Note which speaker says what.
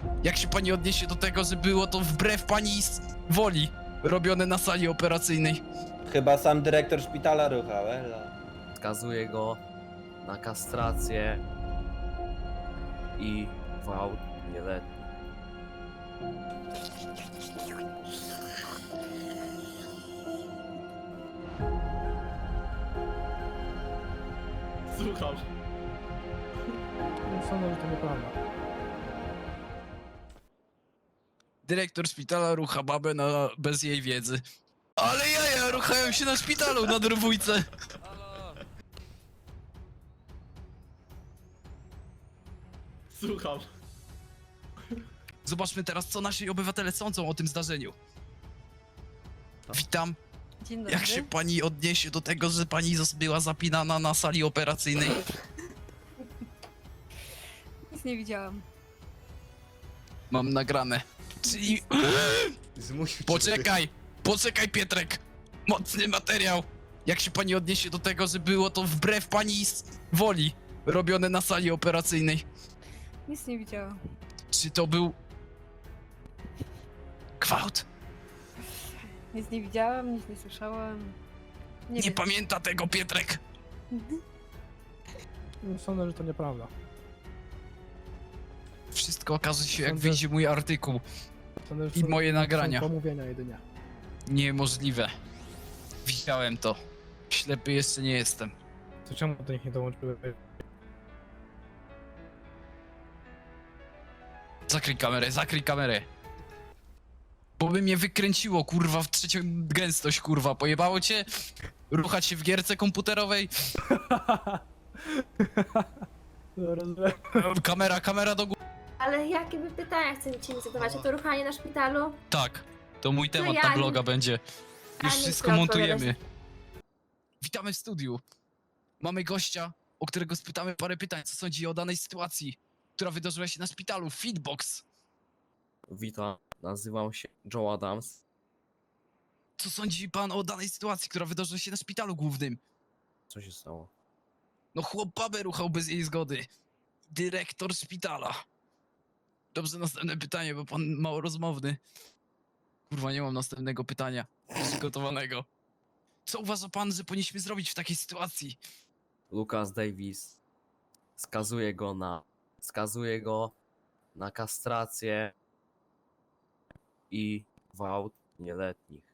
Speaker 1: Jak się pani odniesie do tego, że było to wbrew pani woli robione na sali operacyjnej?
Speaker 2: Chyba sam dyrektor szpitala ruchał, elo.
Speaker 3: Skazuje go na kastrację i gwałt nieletni.
Speaker 4: Słucham.
Speaker 5: Sądzę, że to nieprawda.
Speaker 1: Dyrektor szpitala rucha babę bez jej wiedzy. Ale jaja ruchają się na szpitalu na drwójce.
Speaker 4: Słucham.
Speaker 1: Zobaczmy teraz, co nasi obywatele sądzą o tym zdarzeniu. Witam.
Speaker 6: Dzień dobry.
Speaker 1: Jak się pani odniesie do tego, że pani była zapinana na sali operacyjnej?
Speaker 6: Nic nie widziałam.
Speaker 1: Mam nagrane. Czyli... Poczekaj Pietrek! Mocny materiał! Jak się pani odniesie do tego, że było to wbrew pani woli robione na sali operacyjnej?
Speaker 6: Nic nie widziałam.
Speaker 1: Czy to był... gwałt?
Speaker 6: Nic nie widziałam, nic nie słyszałam.
Speaker 1: Nie
Speaker 6: wiem.
Speaker 1: pamięta tego Pietrek!
Speaker 5: Sądzę, że to nieprawda.
Speaker 1: Wszystko okaże się, jak
Speaker 5: Sądzę-
Speaker 1: wyjdzie mój artykuł.
Speaker 5: Sądzę, że
Speaker 1: I
Speaker 5: to
Speaker 1: moje nagrania.
Speaker 5: są pomówienia jedynie.
Speaker 1: Niemożliwe. Widziałem to. Ślepy jeszcze nie jestem.
Speaker 5: To czemu do nich nie dołączyły?
Speaker 1: Zakryj kamerę. Bo by mnie wykręciło, kurwa, w trzecią gęstość, kurwa. Pojebało cię? Ruchać się w gierce komputerowej?
Speaker 5: No, rozumiem.
Speaker 1: Kamera do góry.
Speaker 7: Ale jakie by pytania chcecie mi zadawać? A to ruchanie na szpitalu?
Speaker 1: Tak, to mój temat
Speaker 7: ja
Speaker 1: na
Speaker 7: nie-
Speaker 1: bloga będzie. Już
Speaker 7: A nie
Speaker 1: wszystko
Speaker 7: chcę
Speaker 1: montujemy. Witamy w studiu. Mamy gościa, o którego spytamy parę pytań, co sądzi o danej sytuacji, która wydarzyła się na szpitalu. Feedbox.
Speaker 3: Witam, nazywam się Joe Adams.
Speaker 1: Co sądzi pan o danej sytuacji, która wydarzyła się na szpitalu głównym?
Speaker 3: Co się stało?
Speaker 1: No chłop babę ruchał bez jej zgody. Dyrektor szpitala. Dobrze, następne pytanie, bo pan mało rozmowny. Kurwa, nie mam następnego pytania przygotowanego. Co uważa pan, że powinniśmy zrobić w takiej sytuacji?
Speaker 3: Lucas Davis skazuje go na kastrację i gwałt nieletnich.